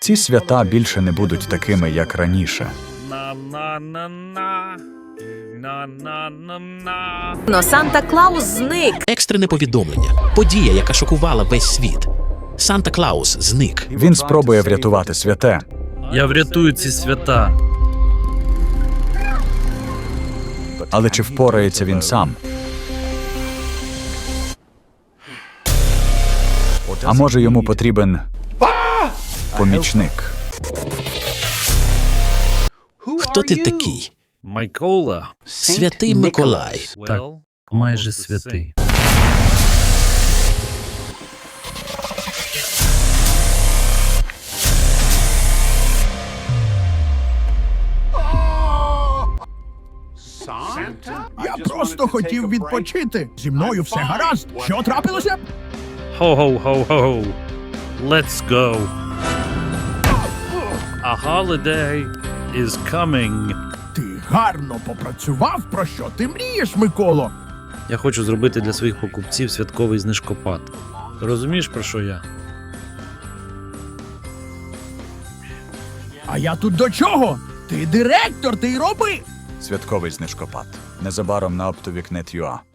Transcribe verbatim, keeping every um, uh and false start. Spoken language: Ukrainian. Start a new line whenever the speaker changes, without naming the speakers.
Ці свята більше не будуть такими, як раніше.
На-на-на-на. На-на-на-на.
Но Санта-Клаус зник.
Екстрене повідомлення. Подія, яка шокувала весь світ. Санта-Клаус зник.
Він спробує врятувати святе.
Я врятую ці свята.
Але чи впорається він сам? А може йому потрібен помічник?
Хто ти такий?
Майкола.
Святий Миколай.
Так, майже святий.
Я просто хотів відпочити. Зі мною все гаразд. Що трапилося?
Ho-ho-ho-ho. Let's go. A holiday is coming.
Ти гарно попрацював. Про що ти мрієш, Миколо?
Я хочу зробити для своїх покупців святковий знижкопад. Розумієш, про що я?
А я тут до чого? Ти директор, ти й роби.
Святковий знижкопад. Незабаром на оптовік точка нет точка ю а.